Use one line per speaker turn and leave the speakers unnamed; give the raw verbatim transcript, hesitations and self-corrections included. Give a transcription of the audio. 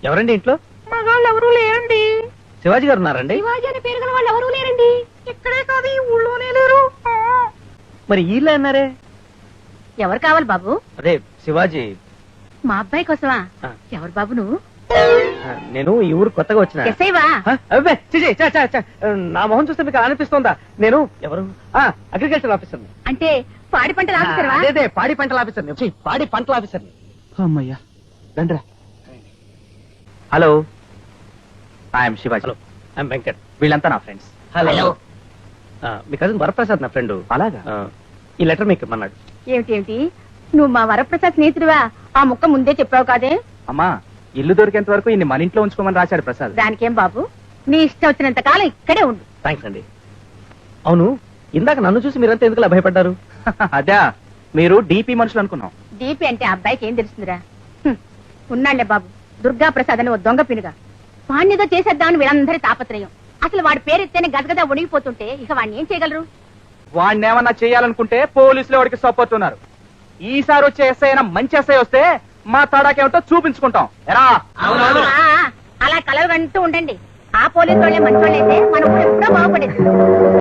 ఎవరండి ఇంట్లో?
మగాళ్ళు ఎవరూ లేరండి.
శివాజీ గారు ఉన్నారండి?
శివాజీ అని పేరు గల వాళ్ళు ఎవరూ లేరండి. ఇక్కడే కాదు, ఈ ఊళ్ళోనే లేరు.
మరి వీళ్ళే అన్నారే?
ఎవరు కావాలి బాబు?
అదే శివాజీ.
మా అబ్బాయి కోసమా?
ఆ.
ఎవరు బాబు నువ్వు?
ఆ, నేను ఈ ఊరు కొత్తగా వచ్చిన.
ఎస్ఐవా?
ఆ, అబ్బే, ఛీ, ఛీ, ఛ, ఛ, ఛ. నా మొహం చూస్తే మీకు అలా అనిపిస్తోందా? నేను ఎవరు? Agriculture officer.
అంటే పాడి పంటలు ఆఫీసర్వా?
అదే పాడి పంటల ఆఫీసర్. పాడి పంటల ఆఫీసర్.
అమ్మయ్యా రండిరా.
Hello.
I'm Shivaji.
Hello, I'm Venkat.
వీళ్ళంతా నా ఫ్రెండ్స్.
హలో. మీ కజిన్ వరప్రసాద్ నా ఫ్రెండ్.
అలాగా?
ఈ లెటర్ మీకు ఇమ్మన్నాడు.
ఏమిటి ఏమిటి నువ్వు మా వరప్రసాద్ స్నేహితుడివా? ఆ ముక్క ముందే చెప్పావు కాదే.
అమ్మా, ఇల్లు దొరికేంత వరకు ఇన్ని మన ఇంట్లో ఉంచుకోమని రాశాడు ప్రసాద్.
దానికేం బాబు, నీ ఇష్టం వచ్చినంత కాలం ఇక్కడే ఉండు.
థ్యాంక్స్ అండి. అవును, ఇందాక నన్ను చూసి మీరంతా ఎందుకు భయపడ్డారు?
అదే, మీరు డీపీ మనుషులు అనుకున్నాం.
దీపి అంటే ఆ అబ్బాయికి ఏం తెలుస్తుందిరా? హ్మ్. ఉన్నాళ్లే బాబు, దుర్గా ప్రసాద్ అని ఓ దొంగ పినుగా. వాణ్ణిదో చేసేద్దామని వీళ్ళందరి తాపత్రయం. అసలు వాడి పేరెత్తేనే గదగద ఉడిగిపోతుంటే ఇక వాడిని ఏం చేయగలరు?
వాడిని ఏమన్నా చేయాలనుకుంటే పోలీసులు వాడికి సపోర్ట్ ఉన్నారు. ఈసారి వచ్చే ఎస్ఐ అయినా మంచి ఎస్ఐ వస్తే మా తడాకేమిటో చూపించుకుంటాం. ఎరా?
ఆ, అలా కలలు కంటూ ఉండండి. ఆ పోలీసు వాళ్ళే మంచి వాళ్ళైతే మన ఊరు ఎప్పుడో బాగుపడేది.